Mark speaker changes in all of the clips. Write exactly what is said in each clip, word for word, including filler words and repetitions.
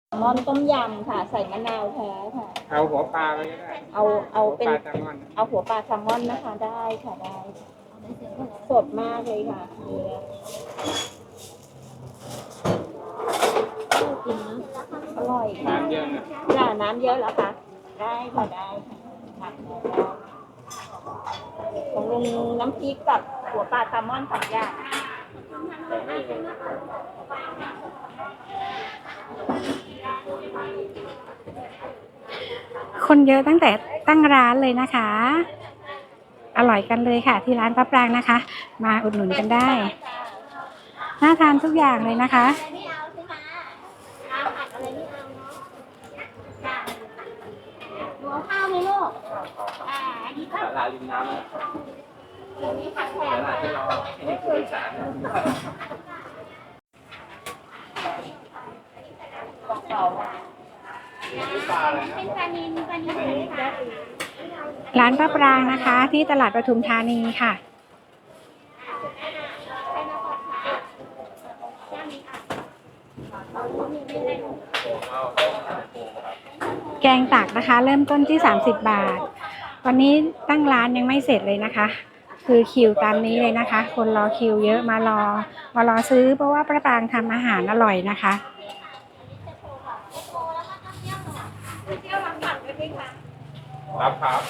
Speaker 1: มอนต้มยำค่ะใส่มะนาวแท้ค่ะ
Speaker 2: เอาหัวปลาไปก็ได้
Speaker 1: เอาเอาเป็น
Speaker 2: หัวปลาแซลมอน
Speaker 1: เอาหัวปลาแซลมอนนะคะได้ค่ะได้สดมากเลยค่ะเนื้อกินนะอร่อยค่ะ
Speaker 2: น้ำเยอะนะ
Speaker 1: จ้าน้ำเยอะแล้วค่ะได้ค่ะได้ค่ะผักของลุงน้ำพริกกับหัวปลาแซลมอนสองอย่าง
Speaker 3: คนเยอะตั้งแต่ตั้งร้านเลยนะคะ อร่อยกันเลยค่ะที่ร้านป้าปรางนะคะ มาอุดหนุนกันได้น่าทานทุกอย่างเลยนะคะ
Speaker 1: หัวข้าวไหมลูกอ่าอันนี้ผัก
Speaker 2: ลาลิมน้ำ
Speaker 1: อันนี้ผักแถม
Speaker 2: ขนาดที่เราให้ผู้โดยสาร
Speaker 1: เป็นปลานิลปลานิลค่ะ
Speaker 3: ร้านป้าปรางนะคะ ที่ตลาดปทุมธานีค่ะแกงตักนะคะเริ่มต้นที่สามสิบบาทตอนนี้ตั้งร้านยังไม่เสร็จเลยนะคะคือคิวตามนี้เลยนะคะคนรอคิวเยอะมารอมารอซื้อเพราะว่าป้าปรางทำอาหารอร่อยนะคะ
Speaker 2: รับครับ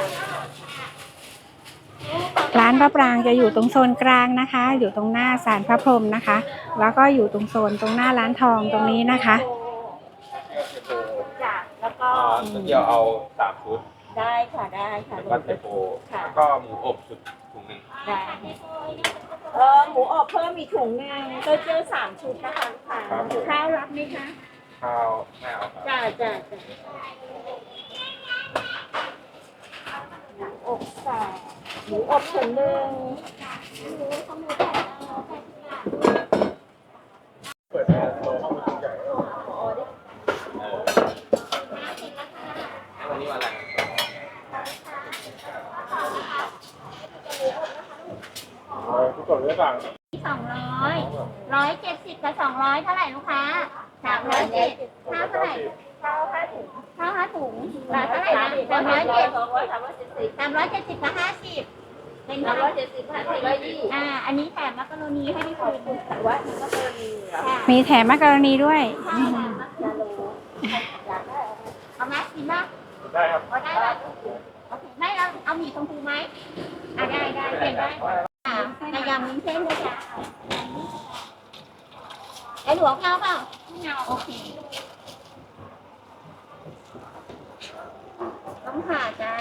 Speaker 3: ร้านป้าปรางจะอยู่ตรงโซนกลางนะคะ อยู่ตรงหน้าศาลพระพรหมนะคะแล้วก็อยู่ตรงโซนตรงหน้าร้านทองตรงนี้นะคะ
Speaker 1: จ้ะแล้วก็
Speaker 2: เดี๋ยวเอาสามชุด
Speaker 1: ได้ค่ะได้ค่ะ
Speaker 2: แล้วก็เทโพแล้วก็หมูอบชุดถุงหนึ่ง
Speaker 1: ได้เออหมูอบเพิ่มอีกถุงหนึ่งก็เจอสามชุดนะคะค่ะข้าวรับไหมคะ
Speaker 2: ข้าวไม่เอาครับ
Speaker 1: จ้าจ้าจ้าอบสามหมูอบถุงหนึ่ง
Speaker 2: เปิดให้โลข้าวมันใหญ่วันนี้วันอะไรทุกคนได้ฟัง
Speaker 1: สองร้อยร้อยเจ็ดสิบกับสองร้อยเท่าไหร่ลูกค้าสามร้อยเจ็ดข้าวเท่าไหร่ข้าวห้าถุงข้าวห้าถุงราคาเท่าไหร่นะสามร้อยเจ็ดสามร้อยเจ็ดสิบกับห้าสิบเป็นสามร้อยเจ็ดสิบห้าสิบร้อยยี่อ่าอันนี้แถมมักกะโรนีให้พี่คุณว่ามักกะโรนี
Speaker 3: มีแถมมักกะโรนีด้วย
Speaker 1: เอาไหมกินบ้าง
Speaker 2: ได้ครับ
Speaker 1: ได้ไหมโอเคได้แล้วเอาหมี่ชมพูไหมอ่าได้ได้เปลี่ยนได้ในยำมิ้นเส้นด้วยจ้ะไอ้หลวงเอาเปล่าไม่เอาโอเคต้องผ่าจ้า